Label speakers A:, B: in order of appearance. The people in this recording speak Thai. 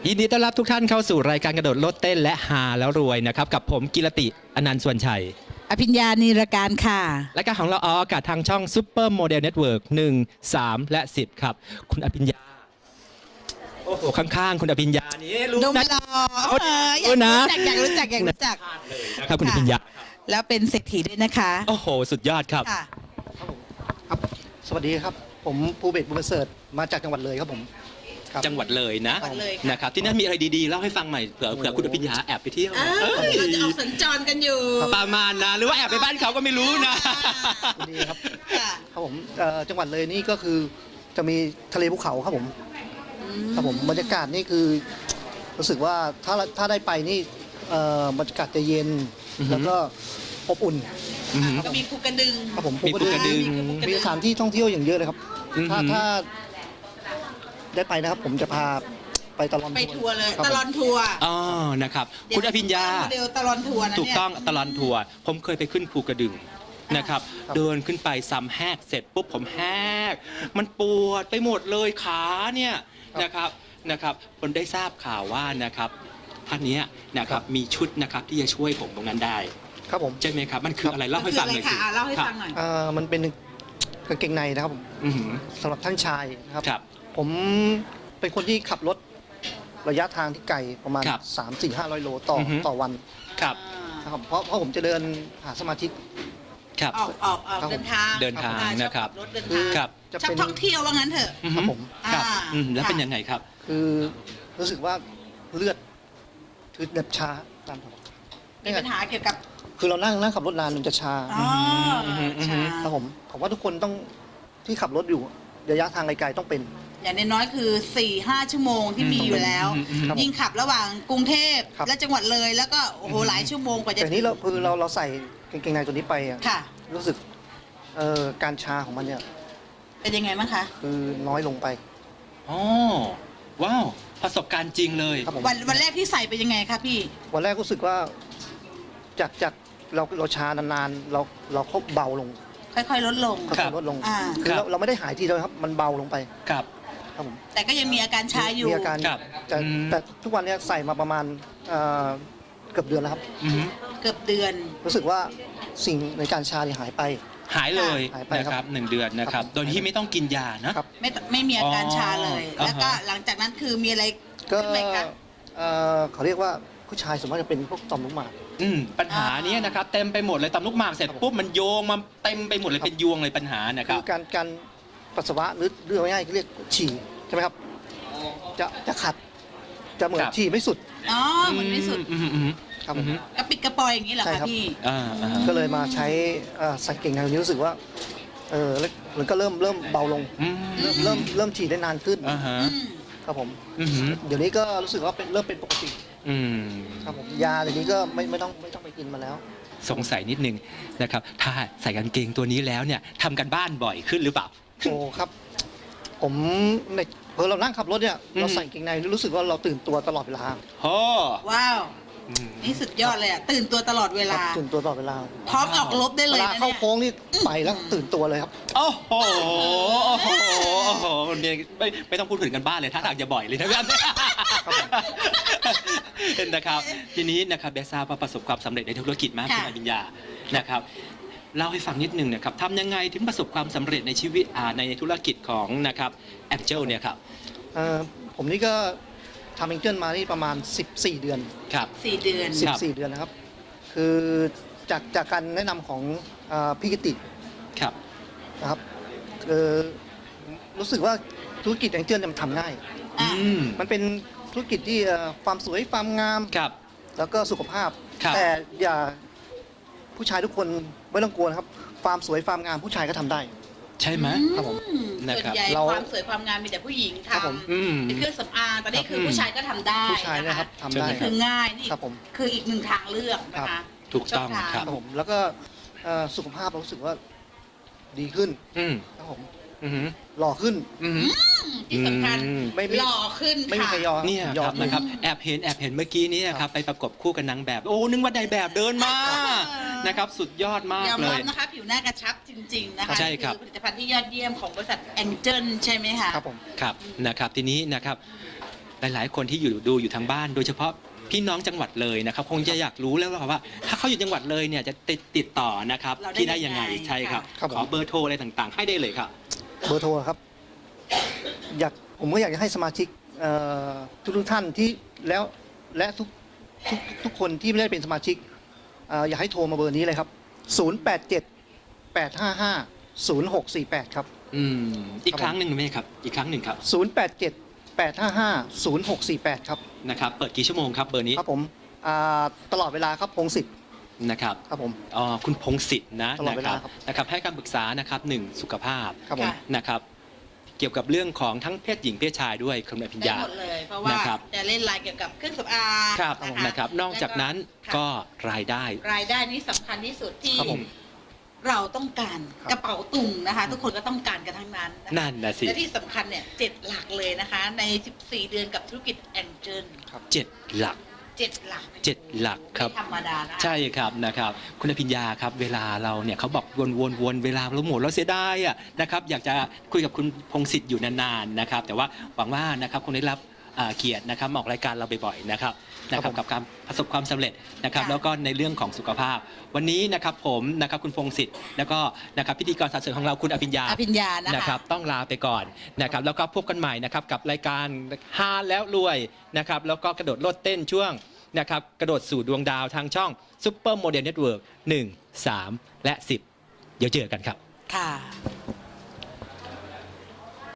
A: ยินดีต้อนรับทุกท่านเข้าสู่รายการกระโดดโลดเต้นและหาแล้วรวยนะครับกับผมกิรติอนันต์ส่วนชัย
B: อภิญญานีรการค่ะ
A: รายการของเราออกอากาศทางช่องซุปเปอร์โมเดลเน็ตเวิร์ก1 3 และ 10ครับคุณอภิญญาโอ้โหข้างๆคุณอภิญญานี่รู้
B: ดู
A: นะ
B: ไม่รออยากรู้จัก
A: ครับคุณอภิญญา
B: แล้วเป็นเศรษฐีด้วยนะคะ
A: โอ้โหสุดยอดครับ
B: ค่ะ
C: ครับสวัสดีครับผมภูเบศรบุญประเสริฐมาจากจังหวัดเลยครับผมครับ
A: จังหวัดเลยนะ
B: จังหวัดเลยค่ะ
A: นะครับที่นั่นมีอะไรดีๆเล่าให้ฟังหน่อยเผื่อคุณอภิญญาแอบไปเที่ยว
B: เราจะออกสัญจรกันอยู่
A: ประมาณนะหรือว่าแอบไปบ้านเขาก็ไม่รู้นะ
C: ดีครับ
B: ค่ะ
C: ครับผมจังหวัดเลยนี่ก็คือจะมีทะเลภูเขาครับผมครับผมบรรยากาศนี่คือรู้สึกว่าถ้าได้ไปนี่บรรยากาศจะเย็น
A: อือฮึ
C: แล้วก็อบอุ่น
A: อือหือ
B: ก็มีภูกระดึง
C: ครับผม
A: มีภูกระดึง
C: มีสถานที่ท่องเที่ยวอย่างเยอะเลยครับ
A: อือฮึ
C: ถ้าได้ไปนะครับ ผมจะพาไปตลอด
B: ไปทัวร์เลย
C: ครับ
B: ต
C: ผม
B: ลอนทัวร์
A: อ๋อนะครับคุณอภิญญา
B: โมเดลตลอนทัวร์นะเนี่ย
A: ถูกต้องตลอนทัวร์ผมเคยไปขึ้นภูกระดึงนะครับ
C: ครับ
A: เดินขึ้นไปซ้ำแหกเสร็จปุ๊บผมแหกมันปวดไปหมดเลยขาเนี่ยนะครับผมได้ทราบข่าวว่านะครับท่านเนี้ยนะครับมีชุดนะครับที่จะช่วยผมตรงนั้นได้
C: ครับผม
A: ใช่ไหมครับมันคืออะไรเล่าให้ฟังหน่อยสิ
B: เล่าให้ฟังหน่อย
C: มันเป็นกางเกงในนะครับผม
A: อือหือ
C: สำหรับท่านชายนะครับ
A: ครับ
C: ผมเป็นคนที่ขับรถระยะทางที่ไกลประมาณ
A: ครับ
C: 3-4-500 โลต่อ
A: อือฮึ
C: ต่อวัน
A: ครับ
C: นะครับเพราะผมจะเดินหาสมาชิก
A: ครับ
B: ออก
C: ครับ
B: เดินทาง
A: เดินทาง
B: ชอ
A: นะครับ
B: รถเดินทาง
A: ครับ
C: จะ
B: ชอบ
C: เป็น
B: ท่องเที่ยวว่างั้นเถอะ
A: อือ
C: ครั
A: หื
C: บ
A: อ
C: ผม
A: ครับ
B: อ่า
A: แล้ว
B: ค่ะ
A: เป็นยังไงครับ
C: คือรู้สึกว่าเลือดคือแบบชาตามผม
B: มีปัญหาเกี่ยวกับ
C: คือเรานั่งขับรถนานมันจะชา
B: อ๋อ
A: อืม
C: ครับผมว่าทุกคนต้องที่ขับรถอยู่ระยะทางไกลๆต้องเป็น
B: อย่างน้อยๆคือ 4-5 ชั่วโมงที่มีอยู่แล้ว
C: ครับผม
B: ยิ่งขับระหว่างกรุงเทพ
C: ครับ
B: และจังหวัดเลยแล้วก็โอ้โหหลายชั่วโมงกว่าจะ
C: แต่นี้เราใส่กางเกงในตัวนี้ไปอะ
B: ค่ะ
C: รู้สึกการชาของมันเนี่ย
B: เป็นยังไงบ้างคะ
C: คือน้อยลงไป
A: อ๋อว้าวประสบการณ์จริงเลย
C: ครับผม
B: วันแรกที่ใส่เป็นยังไงคะพี่
C: วันแรกรู้สึกว่าจากเราชานานๆเราเขาเบาลง
B: ค่อยๆลดลง
C: ค่อยๆลดลง
B: อ่า
C: คือเราไม่ได้หายทีเดียวครับ มันเบาลงไป
A: ครับ
C: ครับผม
B: แต่ก็ยังมีอาการชาอยู่
C: มีอาการ
A: ครับ
C: แต่
A: อืม
C: แต่ทุกวันเนี้ยใส่มาประมาณเกือบเดือนแล้วครับ
A: อือหือ
B: เกือบเดือน
C: รู้สึกว่าสิ่งในการชาเนี่ยหายไป
A: หายเลย
C: หายไป
A: นะค
C: ครั
A: รับบ 1 เดือนนะครับ
C: ครับ
A: โดยที่ไม่ต้องกินยานะครับ
B: ไม่มีอาการชาเลย
A: อ๋อ
B: แล้วก็
A: อ่าฮะ
B: หลังจากนั้นคือมีอะไร
C: ก็
B: ขึ้นไหมคะ
C: เขาเรียกว่าผู้ชายส่วนมากจะเป็นพวกต่อมลูกหมาก
A: ปัญหาเนี้ยนะครับเต็มไปหมดเลยตำลูกหมากเสร็จปุ๊บมันโยงมาเต็มไปหมดเลย
C: ครับ
A: เป็นยวงเลยปัญหานะค
C: คื
A: รับ
C: อการปัสสาวะหรือเรื่องง่ายๆเรียกฉี่ใช่ไหมครับจะขัดจะเหมือน
A: ครับ
C: ฉี่ไม่สุด
B: อ๋อมันไม่สุด
A: อืม
C: ครับ
A: อื
C: ผม
A: ม
B: กระปิดกระปอยอย่างนี้เหรอ
C: ใช่
B: คะ
C: ครับ
B: พี่
A: อ่า
C: ก็เลยมาใช้ใส่เก่งในวันนี้รู้สึกว่าแล้วมันก็เริ่มเบาลง
A: อืม
C: เริ่มฉี่ได้นานขึ้น
A: อ่าฮะ
B: อืม
C: ครับผม
A: อืม
C: เดี๋ยวนี้ก็รู้สึกว่าเริ่มเป็นปกติ
A: อืม
C: ครับผมยาเดี๋ยวนี้ก็ไม่ต้องไปกินมาแล้ว
A: สงสัยนิดนึงนะครับถ้าใส่กางเกงตัวนี้แล้วเนี่ยทำกันบ้านบ่อยขึ้นหรือเปล่า
C: โอ้ครับ ผมในเรานั่งขับรถเนี่ย
A: อืม
C: เราใส่เกงในรู้สึกว่าเราตื่นตัวตลอดเวลา
A: โอ้
B: ว้าว
A: อืม
B: นี่สุดยอดเลยอ่ะตื่นตัวตลอดเว
C: ครั
B: ลา
C: บตื่นตัวตลอดเวลา
B: พร้อมออกรบได้
C: เว
B: เลย
C: ลา
B: นะ
C: เข้า
B: เนี่ย
C: โค้งนี่ไปแล้วตื่นตัวเลยครับ
A: โอ้โหโอ้โหโอ้โหเนี่ยไม่ต้องพูดถึงกันบ้านเลยถ้าทางจะบ่อยเลยนะครับเห็นนะครับทีนี้นะครับเบซ่าประสบความสำเร็จในธุรกิจมากคุณอภิญญานะครับเล่าให้ฟังนิดนึงนะครับทำยังไงถึงประสบความสำเร็จในชีวิตในธุรกิจของนะครับแองเจลเนี่ยครับ
C: ผมนี่ก็ทำเองเจิลมานี่ประมาณ 14 เดือน
A: ครับ
B: 4 เดือน
A: ครับ
C: 14 เดือนนะครับ คือจากการแนะนำของพี่กิติ
A: ครับ
C: นะครับรู้สึกว่าธุรกิจเองเจิลเนี่ยมันทำง่าย
B: อ่ะ
C: มันเป็นธุรกิจที่ความสวยความงาม
A: ครับ
C: แล้วก็สุขภาพ
A: ครับ
C: แต่อย่าผู้ชายทุกคนไม่ต้องกลัวนะครับความสวยความงามผู้ชายก็ทำได้
A: ใช่ไหม
C: ครับผม
A: นะครับ
B: ส่วนใหญ่
C: เรา
B: ความสวยความงามมีแต่ผู้หญิง
C: ครับผม
B: ทำเป็นเครื่องสำอางตอนนี้คือผู้ชายก็ทำได้
C: ผู้ชายนะครับ
B: ะ
C: ทำได้
B: นี่คือง่ายนี่
C: ครับผม
B: คืออีกหนึ่งทางเลือกนะ
C: ครั
B: คะ
C: บ
A: ถูกต้อง
B: ช่ทา
A: ครับ
C: ครับผมแล้วก็สุขภาพเรารู้สึกว่าดีขึ้น
A: อืม
C: ครับผม
A: อืม
C: หล่อขึ้น
A: อืม
B: ที่สำคัญ
C: ไม่
B: หล่อขึ้น
C: ไม่มี
B: ค่ะ
C: ใครยอม
A: เนี่ย
C: ย
A: ค
C: อ
A: รั
C: ม
A: บนะครับแอบเห็นเมื่อกี้นี้นะครับไปประกบคู่กับนางแบบ โอ้นึกว่านายแบบเดินมานะครับสุดยอดมาก
B: ยอม
A: เล
B: รับ
A: ย
B: นะคะผิวหน้ากระชับจริง ๆ นะคะ
A: ใช่ครับ
B: อผลิตภัณฑ์ที่ยอดเยี่ยมของบริษัทแองเจิลใช่ไหมคะ
C: ครับผม
A: ครับนะครับทีนี้นะครับหลายๆ คนที่ดูอยู่ทางบ้าน โดยเฉพาะพี่น้องจังหวัดเลยนะครับคงจะอยากรู้แล้วว่า ถ้าเขาอยู่จังหวัดเลยเนี่ยจะติดต่อนะครับ
B: เราได้
A: ที่ได้ยังไง
B: ยังไง
A: ใช่ครับ
C: ครับผม
A: ขอเบอร์โทรอะไรต่างๆ ให้ได้เลยครับ
C: เบอร์โทรครับผมก็อยากจะให้สมาชิกทุกท่านที่และทุกคนที่ไม่ได้เป็นสมาชิกอยากให้โทรมาเบอร์นี้เลยครับ 087 855 0648 ครับ
A: อีกครั้งหนึ่งไหมครับอีกครั้งหนึ่งครับ
C: 087 855 0648 ครับ
A: นะครับเปิดกี่ชั่วโมงครับเบอร์นี้
C: ครับผมตลอดเวลาครับพงศิษฐ์
A: นะครับ
C: ครับผม
A: คุณพงศิษฐ์นะ
C: ตลอดเวลา
A: นะครับ นะครับให้การปรึกษานะครับ1สุขภาพ
C: ครับผม
B: ค่ะ
A: นะครับเกี่ยวกับเรื่องของทั้งเพศหญิงเพศชายด้วยคุณอภิญ
B: ได้
A: ญา
B: หมดเลย เพราะว่า
A: นะครับ
B: จะเล่นรายเกี่ยวกับเครื่องสำอาง
A: ครับ
B: นะคะ
A: นะครับนอกจากนั้น
B: ค่ะ
A: ก็รายได้
B: รายได้นี้สำคัญที่สุดที่
C: ครับผม
B: เราต้องการ
C: ครับ
B: กระเป๋าตุงนะคะ ทุกคนก็ต้องการกันทั้งนั้นนะคะ
A: นั่นนะสิ
B: และที่สำคัญเนี่ย7 หลักเลยนะคะ ใน 14 เดือนกับธุรกิจแองเจิล
A: 7 หลัก
B: 7 หลัก
A: 7 หลักครับ
B: ไม่ธรรมดานะคะ
A: ใช่ครับนะครับคุณอภิญญาครับเวลาเราเนี่ยเขาบอกวนเวลาเราหมดเราเสียดายอ่ะนะครับอยากจะคุยกับคุณพงศิษฐ์อยู่นานๆนะครับแต่ว่าหวังว่านะครับคงได้รับเกียรตินะครับมาออกรายการเราบ่อยๆนะครับกับการประสบความสำเร็จนะครับ
B: ค่ะ
A: แล้วก็ในเรื่องของสุขภาพ วันนี้นะครับผมนะครับคุณพงศิษฐ์แล้วก็นะครับพิธีกรสรรเสริญของเราคุณอภิญญา
B: อภิญญานะคะ
A: นะครับต้องลาไปก่อนนะครับแล้วก็พบกันใหม่นะครับกับรายการฮาแล้วรวยนะครับแล้วก็กระโดดโลดเต้นช่วงนะครับกระโดดสู่ดวงดาวทางช่อง Super Model Network 1, 3 และ 10 เดี๋ยวเจอกันครับ
B: ค่ะ